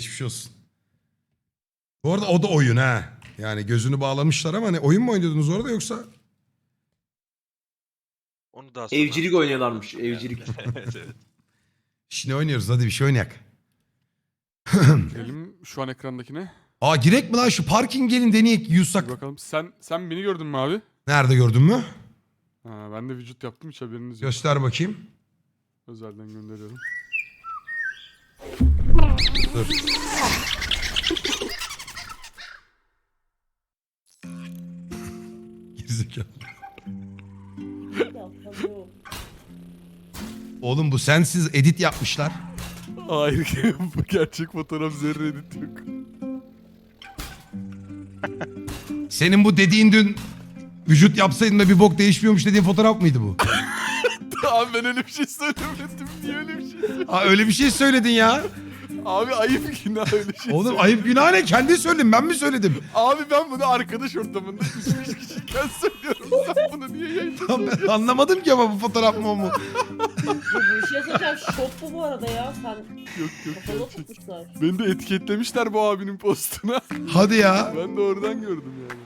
geçmiş olsun. Bu arada o da oyun ha. Yani gözünü bağlamışlar ama hani oyun mu oynuyordunuz orada yoksa? Onu daha sonra Evcilik oynuyorlarmış. Evcilik. evet evet. Şimdi oynuyoruz, hadi bir şey oynayak. Girelim şu an ekrandakine. Aa, girek mi lan, şu parking gelin deneyek Bir yusak. bakalım. Sen beni gördün mü abi? Nerede, gördün mü? Ha, ben de vücut yaptım, hiç haberiniz yok. Göster bakayım. Özelden gönderiyorum. Dur. Gerizekalı. Oğlum bu sensiz edit yapmışlar. Hayır, bu gerçek fotoğraf, zerre edit yok. Senin bu dediğin dün vücut yapsaydın da bir bok değişmiyormuş dediğin fotoğraf mıydı bu? Abi ben öyle bir şey söylemedim. Niye öyle bir şey söyledin? Aa, öyle bir şey söyledin ya. Abi ayıp, günah öyle şey. Oğlum ayıp günah ne? Kendi söyledin, ben mi söyledim? Abi ben bunu arkadaş ortamında 3-5 kişiyken söylüyorum. Sen bunu niye yayınladın? Ben anlamadım ki ama bu fotoğraf mı o mu? Bu şey soracağım, şok bu arada ya. Sen Yok yok, kapalı gerçek. tutmuşlar. Beni de etiketlemişler bu abinin postuna. Hadi ya. Ben de oradan gördüm yani.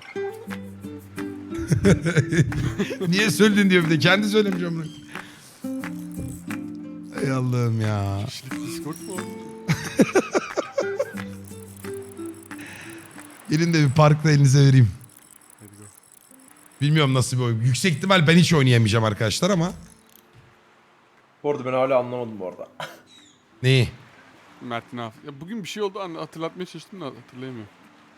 Niye söyledin diyor bir de. Kendi söylemiş onu. Ey Allah'ım ya. Kişilik Discord mu abi? Gelin de bir parkta elinize vereyim. Hadi go. Bilmiyorum nasıl bir oyun. Yüksek ihtimal ben hiç oynayamayacağım arkadaşlar ama. Bu arada ben hala anlamadım bu arada. Neyi? Mert ne yaptı? Ya bugün bir şey oldu, hatırlatmaya çalıştım da hatırlayamıyorum.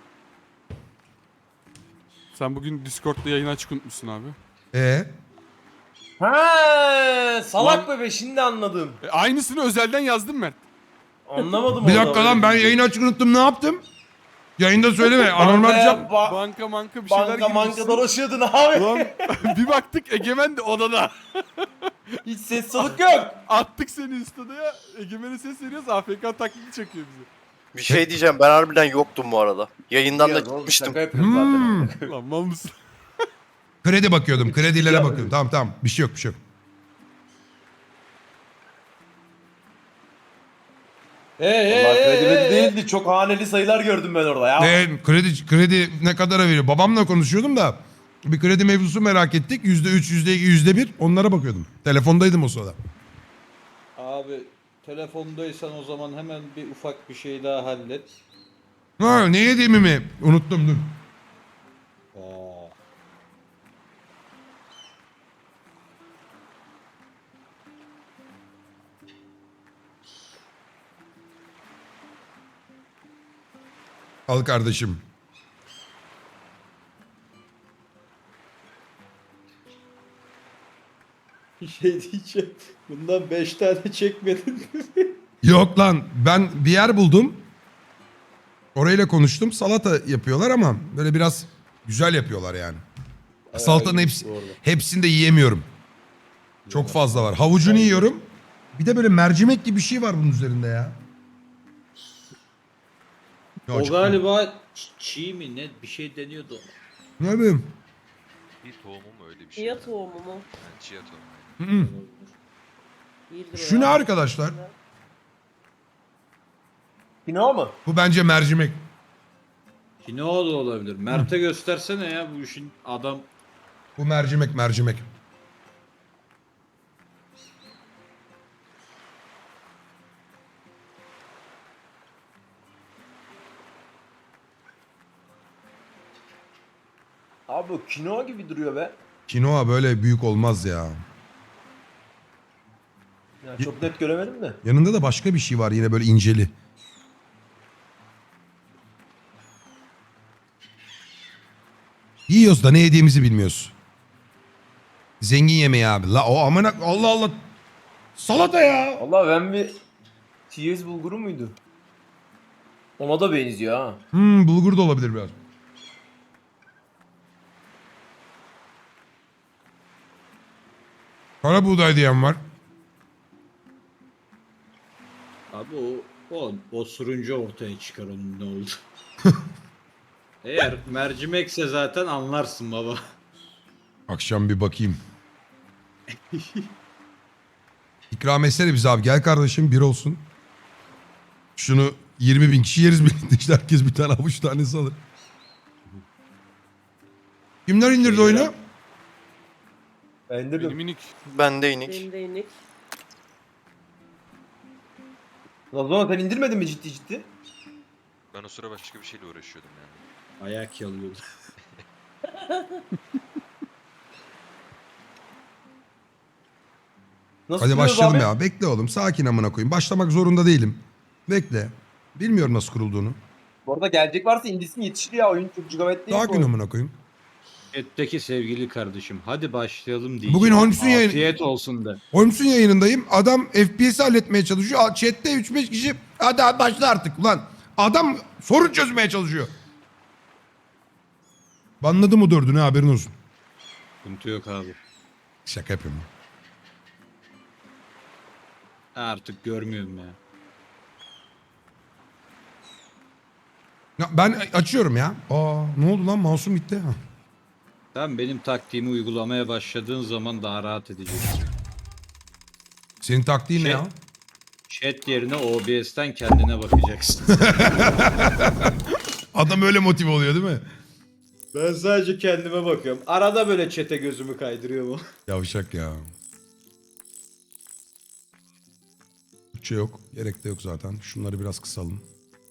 Sen bugün Discord'da yayını açık unutmuşsun abi. Ha, salak bebe, şimdi anladım. Aynısını özelden yazdım Mert. Anlamadım Bir orada dakika lan, öyle ben bir şey. yayını açık unuttum, ne yaptım? Yayında söyleme. Anormal bir şey yap- Banka bir şeyler Banka girmişsin. dolaşıyordun abi. Ulan bir baktık Egemen de odada. Hiç ses soluk yok. Attık seni Insta'ya. Egemen'e ses veriyoruz. AFK taklidi çekiyor bize. Bir şey diyeceğim, ben harbiden yoktum bu arada. Yayından da Ya, oğlum, gitmiştim. şaka yapıyorum zaten. Lan mal mısın? Kredi bakıyordum. Kredilere Ya- bakıyordum. Tamam. Bir şey yok, bir şey yok. Vallahi kredi değildi. Çok haneli sayılar gördüm ben orada ya. Kredi ne kadara veriyor? Babamla konuşuyordum da bir kredi mevzusu merak ettik. %3, %2, %1 onlara bakıyordum. Telefondaydım o sırada. Abi telefondaysan o zaman hemen bir ufak bir şey daha hallet. Ha, ne yediğimi mi? Unuttum, dur. Aa, Al kardeşim. bir şey diyeceğim. Bundan 5 tane çekmedin mi? Yok lan, ben bir yer buldum. Orayla konuştum. Salata yapıyorlar ama böyle biraz güzel yapıyorlar yani. Salatanın iyiymiş bu arada. hepsini de yiyemiyorum. Çok fazla var. Havucunu yiyorum. Bir de böyle mercimek gibi bir şey var bunun üzerinde ya. Ya O çok- galiba çiğ mi ne bir şey deniyordu. Ne bileyim. Bir tohumu mu öyle bir şey? Chia tohumu mu? Yani chia tohumu. Hı. İyidir o Şu ya. ne arkadaşlar? Kino mu? Bu bence mercimek. Kinoa da olabilir. Mert'e göstersene ya bu işin adam. Bu mercimek. Abi bu kino gibi duruyor be. Kinoa böyle büyük olmaz ya. Ya çok net göremedim de. Yanında da başka bir şey var yine böyle inceli. Yiyoruz da ne yediğimizi bilmiyoruz. Zengin yemeği abi. La o amına Allah Allah. Salata ya. Vallahi ben bir TS bulguru muydu? Ona da benziyor ha. Bulgur da olabilir biraz. Kara buğday diyen var. Abi o osurunca ortaya çıkar onun ne oldu. Eğer mercimekse zaten anlarsın baba. Akşam bir bakayım. İkram etsene bize abi. Gel kardeşim, bir olsun. Şunu 20.000 kişi yeriz birlikte işte herkes bir tane avuç tanesi alır. Kimler indirdi oyunu? Ben indirdim. Benim minik. Ben de inik. Benim de inik. Lan o zaman sen indirmedin mi ciddi ciddi? Ben o sıra başka bir şeyle uğraşıyordum yani. Ayak yalıyordu. Nasıl Hadi kuruyoruz başlayalım abi? ya. Bekle oğlum. Sakin amına koyayım. Başlamak zorunda değilim. Bekle. Bilmiyorum nasıl kurulduğunu. Bu arada gelecek varsa indirsin yetişir ya. Oyun çok gigabyte değil. bu Sakin oyun. amına koyayım. Chat'teki sevgili kardeşim hadi başlayalım diyeceğim. Bugün Holmes'un yayını- Afiyet olsun de. Holmes'un yayınındayım. Adam FPS'i halletmeye çalışıyor. Chat'te 3-5 kişi hadi başla artık ulan. Adam sorun çözmeye çalışıyor. Banladı mı dördünü haberin olsun. Sıkıntı yok abi. Şaka yapıyorum. Artık görmüyorum ya. Ya ben açıyorum ya. Aa ne oldu lan mouse'um gitti. Ha. Sen benim taktiğimi uygulamaya başladığın zaman daha rahat edeceksin. Senin taktiğin ne Şey- ya? Chat yerine OBS'ten kendine bakacaksın. Adam öyle motive oluyor değil mi? Ben sadece kendime bakıyorum. Arada böyle chat'e gözümü kaydırıyor bu. Yavşak ya. Türkçe yok. Gerek de yok zaten. Şunları biraz kısalım.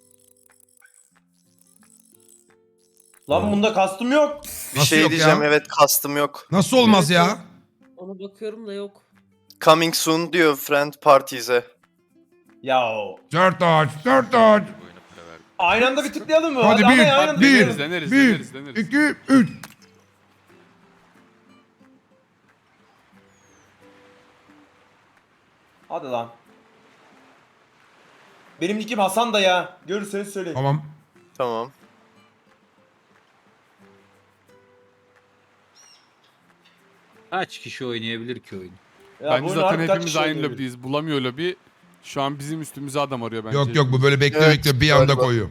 Lan bunda kastım yok. Bir Nasıl şey yok diyeceğim, ya? evet kastım yok. Nasıl olmaz ya? Ona bakıyorum da yok. Coming soon diyor friend parties'e. Ya Dört ağaç. Bu oyuna para verdim. aynı anda bir tıklayalım mı? Hadi ama bir, aynı anda bir, tıklayalım. deneriz, bir, deneriz, deneriz. 2, 3. Hadi lan. Benim nickim Hasan da ya. Görürseniz söyleyin. Tamam. Tamam. Kaç kişi oynayabilir ki oyunu? Ya bu Bence oyunu zaten harbi kaç hepimiz kişi aynı oynuyor? lobideyiz. Bulamıyor lobi. Şu an bizim üstümüze adam arıyor bence. Yok yok bu böyle bekle Evet, bekle bir anda galiba. koyuyor.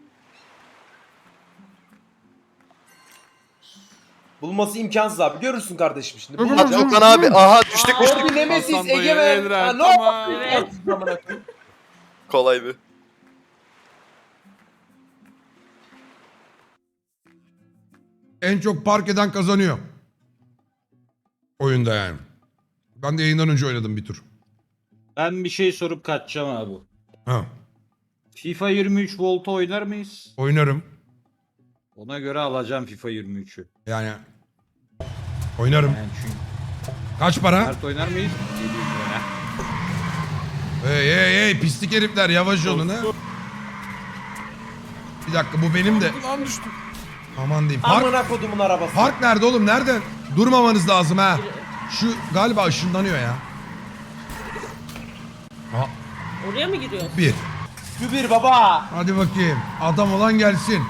Bulması imkansız abi. Görürsün kardeşim şimdi. Hadi Bulacağım. Hadi Okan abi. Aha düştük düştük. Orbi Nemesis Hasan dayı, Egemen. Elren, Ha, ne tamam. oldu? Evet. Amına koyayım. Kolay bir. En çok park eden kazanıyor. Oyunda yani. Ben de yayından önce oynadım bir tur. Ben bir şey sorup kaçacağım abi. Ha, FIFA 23 Volt'u oynar mıyız? oynarım. Ona göre alacağım FIFA 23'ü. Yani oynarım. Yani çünkü Kaç para? kart oynar mıyız? 700 lira. Hey hey hey pislik herifler yavaş olun ha. Bir dakika bu benim de. Lan düştüm. Aman diyeyim. Park, Amına kodumun arabası. park nerede oğlum? Nerede? Durmamanız lazım ha. Şu galiba ışınlanıyor ya. Ha, Oraya mı giriyorsun? bir. Şu bir baba. Hadi bakayım. Adam olan gelsin.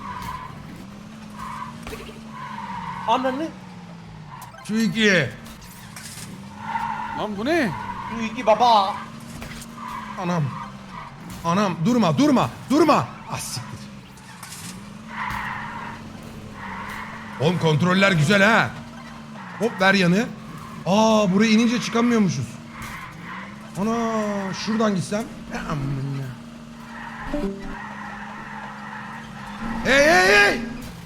Ananı. Şu iki. Lan bu ne? Şu iki baba. Anam. Anam durma durma durma. Ah siktir. Oğlum kontroller güzel ha. Hop ver yanı. Aa buraya inince çıkamıyormuşuz. Ana şuradan gitsem. Ya amına. Hey hey hey.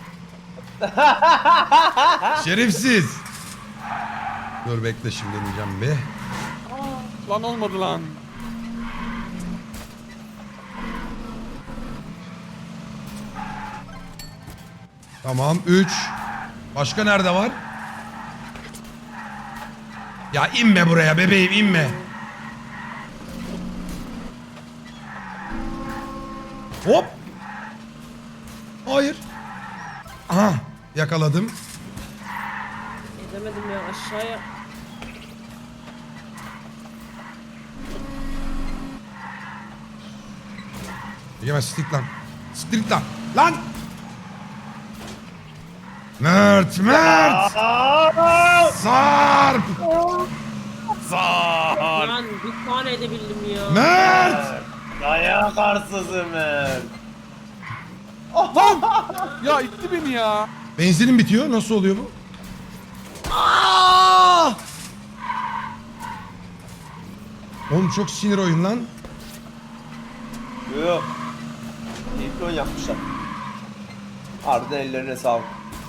Şerefsiz. Dur bekle şimdi deneyeceğim bir. Lan olmadı lan. Tamam 3. Başka nerede var? Ya inme buraya bebeğim inme. Hop. Hayır. Aha yakaladım. Edemedim ya aşağıya. Yemez street lan. Street lan. Lan. Mert Mert. Sarp. Lan bir tane edebildim ya. Mert. Dayak arsızım ben. Ya itti beni ya. Benzinim bitiyor. Nasıl oluyor bu? Aa! Oğlum çok sinir oyun lan. Yok. Siklon yapmışlar. Harbiden ellerine sağlık.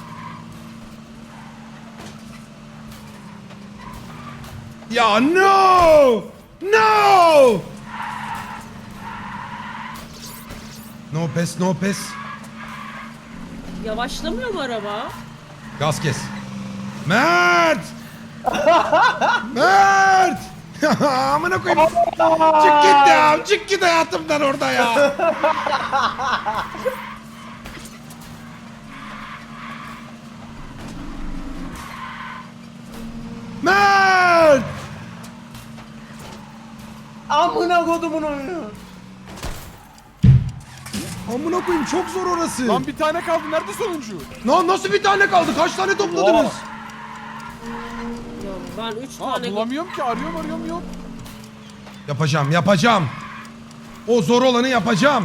Ya no! No! No pes, no pes. Yavaşlamıyor mu araba? Gaz kes. Mert! Mert! Amına koyayım. Çık git ya. Çık git hayatımdan orada ya. Mert! Amına kodumun oyunu. Amına koyayım çok zor orası. Lan bir tane kaldı. Nerede sonuncu? Lan nasıl bir tane kaldı? Kaç tane topladınız? Ya ben 3 Ha tane... bulamıyorum ki. Arıyorum yok. Yapacağım, yapacağım. O zor olanı yapacağım.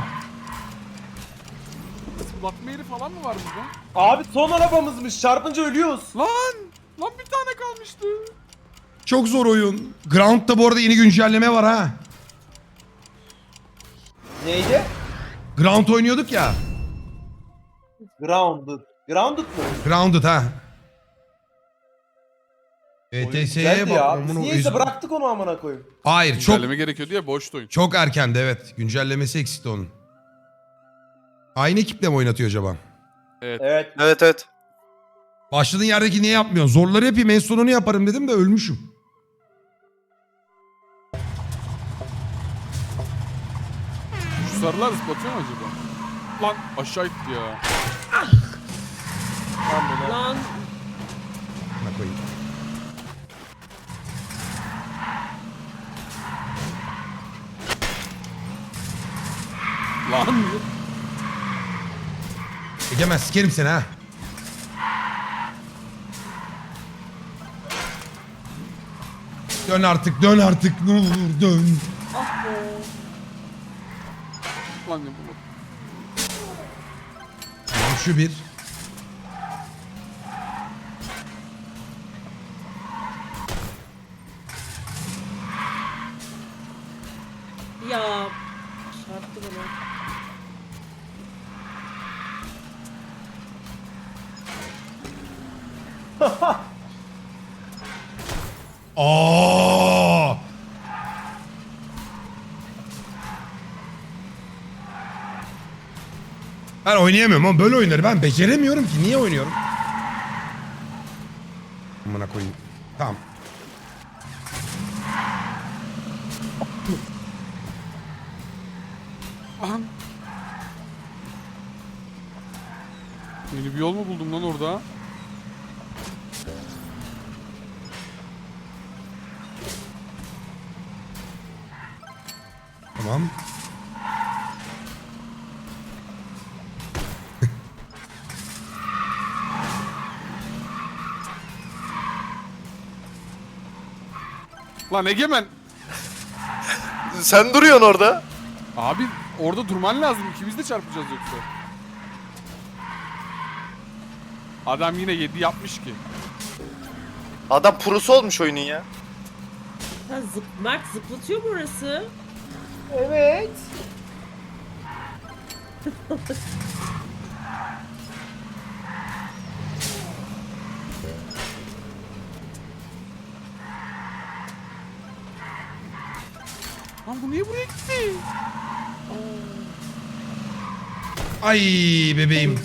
Bakma yeri falan mı var burada? Abi son arabamızmış. Çarpınca ölüyoruz. Lan bir tane kalmıştı. Çok zor oyun. Ground'da bu arada yeni güncelleme var ha. Neydi? Ground oynuyorduk ya. Grounded. Grounded mı? Grounded ha. Oyun ETS'ye güzeldi bak. ya. amına Biz koyayım. niyeyse bıraktık onu amına koyayım. Hayır çok Güncelleme gerekiyordu ya boştu oyun. çok erkendi evet. Güncellemesi eksikti onun. Aynı ekiple mi oynatıyor acaba? Evet. Evet. Başladığın yerdeki niye yapmıyorsun? Zorları yapayım en sonunu yaparım dedim de ölmüşüm. Şu sarılar zıplatıyor mu acaba? Lan aşağı itti ya. Lan Buna koyayım. Lan. Egemen sikerim seni ha. Dön artık dön artık ne olur dön. Lan ne bu? Tamam şu bir. ya çarptı bana. Aa! Ben oynayamıyorum ama böyle oyunları ben beceremiyorum ki. Niye oynuyorum? Amına koyayım. Tamam. Aha. Yeni bir yol mu buldum lan orada? Tamam. Lan Egemen. Sen duruyorsun orada. Abi orada durman lazım. İkimiz de çarpacağız yoksa. Adam yine 7 yapmış ki. Adam prosu olmuş oyunun ya. Ha, Mert zıplatıyor mu orası? Evet. Lan bu niye buraya gitti? Ay bebeğim.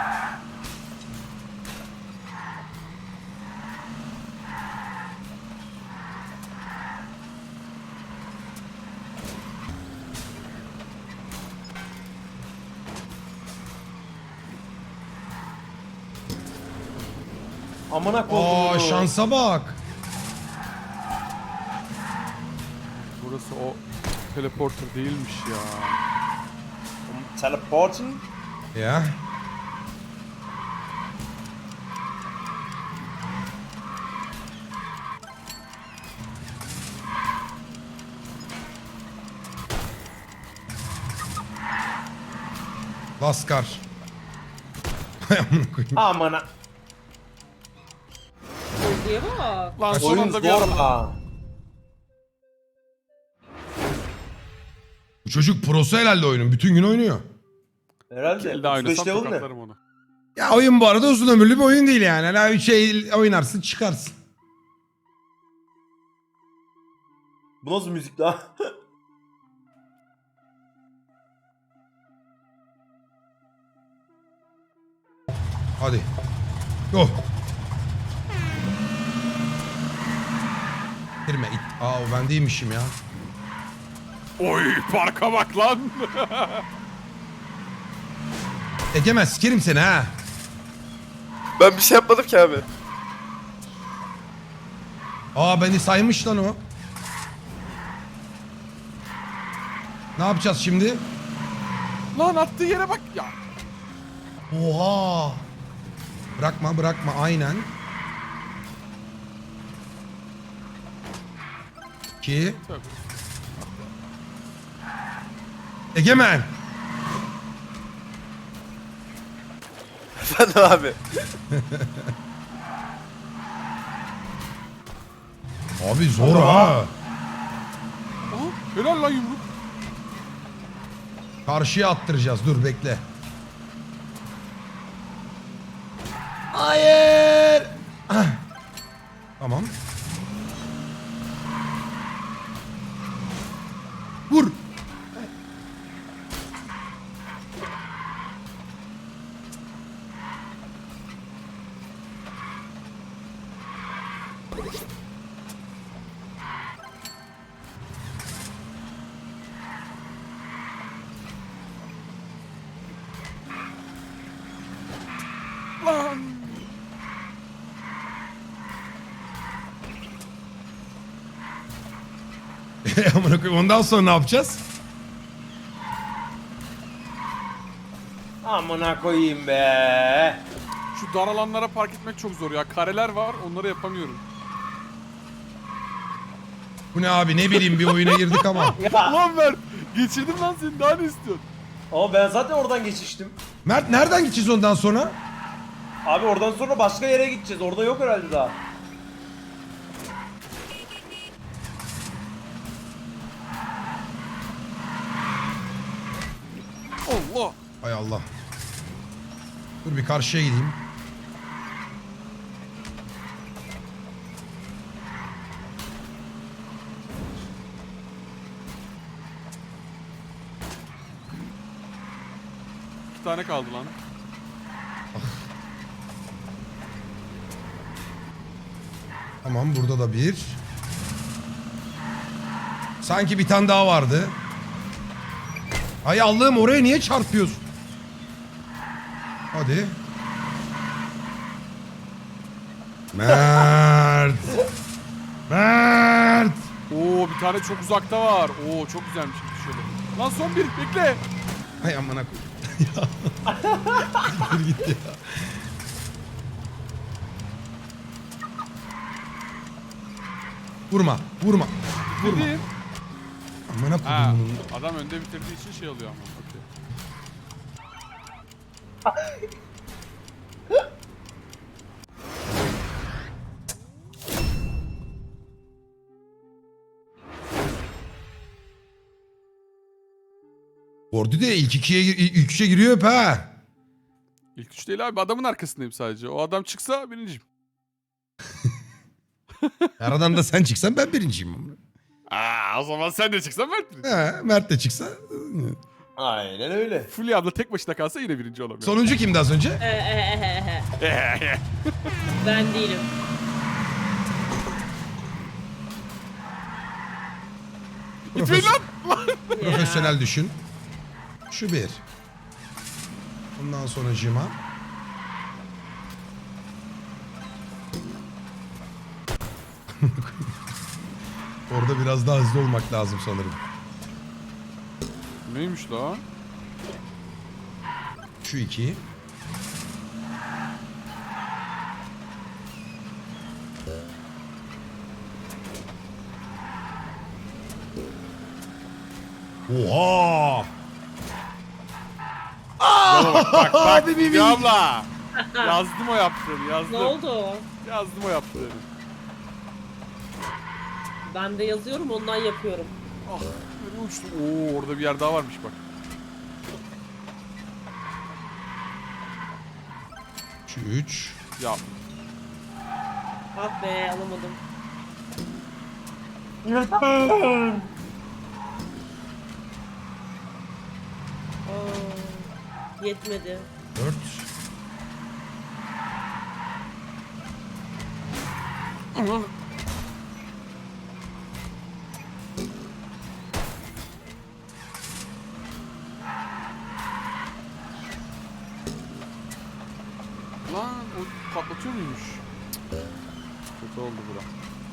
Amına kodumun. Aa şansa bak. Burası o teleporter değilmiş ya. Teleporting. Ya. Laskar. Hay amına koyayım. Amına. Bölgeye bak. Lan son Oyun anda bir zor anda. ha. Bu çocuk prosu herhalde oyunun. Bütün gün oynuyor. Herhalde. Elde oynasam 35 level ne? tokatlarım onu. Ya oyun bu arada uzun ömürlü bir oyun değil yani. Hani şey oynarsın çıkarsın. Bu nasıl müzik lan? Hadi. Go. Girme it. Aa o ben değilmişim ya. Oy parka bak lan. Egemen sikerim seni ha. Ben bir şey yapmadım ki abi. Aa beni saymış lan o. Ne yapacağız şimdi? Lan attığı yere bak ya. Oha. Bırakma bırakma aynen. 2. Tabii. Egemen. Efendim abi. Abi zor ha. Aha, helal lan yumruk. Karşıya attıracağız. Dur bekle. Hayır. Ah. Tamam. Vur. Lan. Amına koyayım. Ondan sonra ne yapacağız? Amına koyayım be. Şu dar alanlara park etmek çok zor ya. Kareler var, onları yapamıyorum. Bu ne abi ne bileyim bir oyuna girdik ama. Ya. Ulan Mert, geçirdim lan seni, daha ne istiyorsun? Ama ben zaten oradan geçiştim. Mert nereden gideceğiz ondan sonra? Abi oradan sonra başka yere gideceğiz. Orada yok herhalde daha. Allah. Hay Allah. Dur bir karşıya gideyim. İki tane kaldı lan. Tamam burada da bir. Sanki bir tane daha vardı. Hay Allah'ım oraya niye çarpıyorsun? Hadi. Mert. Mert. Oo, bir tane çok uzakta var. Oo, çok güzelmiş. Şöyle. Lan son bir, bekle. Hay amına koyayım. Dur gitti ya. Vurma, vurma. Dedim. Amına Ha, koyayım bunu. adam önde bitirdiği için şey oluyor ama. Okey. Gordy de ilk üçe giriyor hep ha. İlk üç değil abi, adamın arkasındayım sadece. O adam çıksa birinciyim. Aradan da sen çıksan ben birinciyim. Aa, o zaman sen de çıksan Mert birinci. He, Mert de çıksa. Aynen öyle. Fulya abla tek başına kalsa yine birinci olamıyor. Sonuncu kimdi az önce? Ben değilim. Gitmeyin lan! Profesyonel düşün. Şu bir. Bundan sonra cima. Orada biraz daha hızlı olmak lazım sanırım. Neymiş lan? Şu iki. Oha! Bak Abi bir Fulya abla! Yazdım o yaptığını, yazdım. Ne oldu? Yazdım o yaptığını. Ben de yazıyorum ondan yapıyorum. Ah, nereye uçtum? Oo, orada bir yer daha varmış bak. Şu 3. Ya Ah be alamadım. Aa, yetmedi. 4. lan o patlatıyor muymuş? Cık. Kötü oldu bura.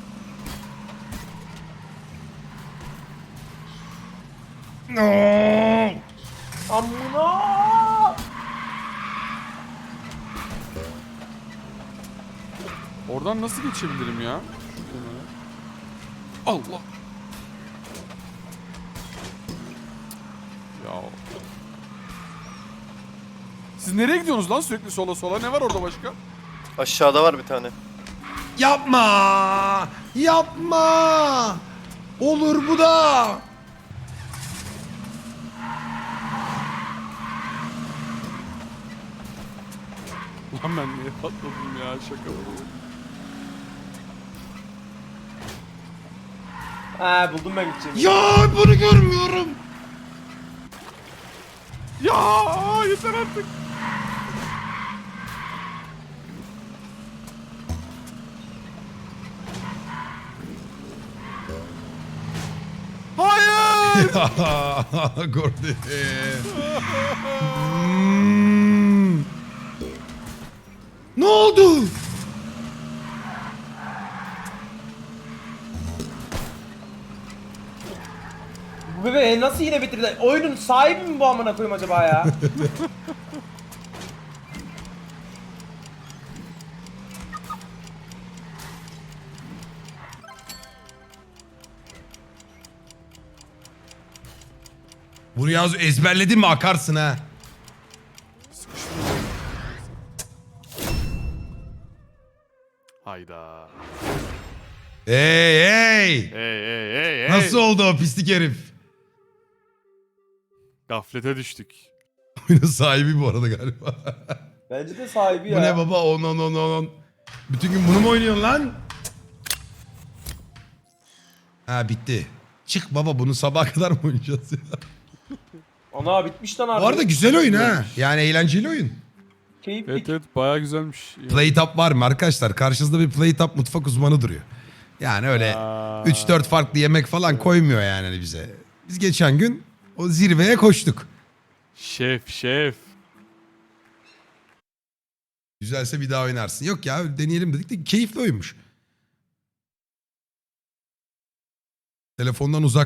No. Amına! Oradan nasıl geçebilirim ya? Şuradan öyle. Allah. Ya. Siz nereye gidiyorsunuz lan sürekli sola sola? Ne var orada başka? Aşağıda var bir tane. Yapma. Yapma. Olur bu da. Lan ben niye patladım ya şaka bu. Ha buldum ben gideceğimi. Ya bunu görmüyorum. Ya yeter artık. Hayır. Gordy. Hmm. Ne oldu? Bu bebe nasıl yine bitirdi? Oyunun sahibi mi bu amına koyayım acaba ya? Bunu yaz ezberledin mi akarsın ha. Hayda. Hey hey. Hey. Nasıl oldu o pislik herif? Gaflete düştük. Oyunun sahibi bu arada galiba. Bence de sahibi ya. Bu ne baba? 10. Bütün gün bunu mu oynuyorsun lan? Ha bitti. Çık baba bunu sabaha kadar mı oynayacağız ya? Ana bitmiş lan abi. Bu arada güzel oyun ha. Yani eğlenceli oyun. Keyifli. Evet bayağı güzelmiş. Playtop var mı arkadaşlar? Karşınızda bir Playtop mutfak uzmanı duruyor. Yani öyle Aa. 3-4 farklı yemek falan koymuyor yani bize. Biz geçen gün o zirveye koştuk. Şef. Güzelse bir daha oynarsın. Yok ya deneyelim dedik de keyifli oyunmuş. Telefondan uzak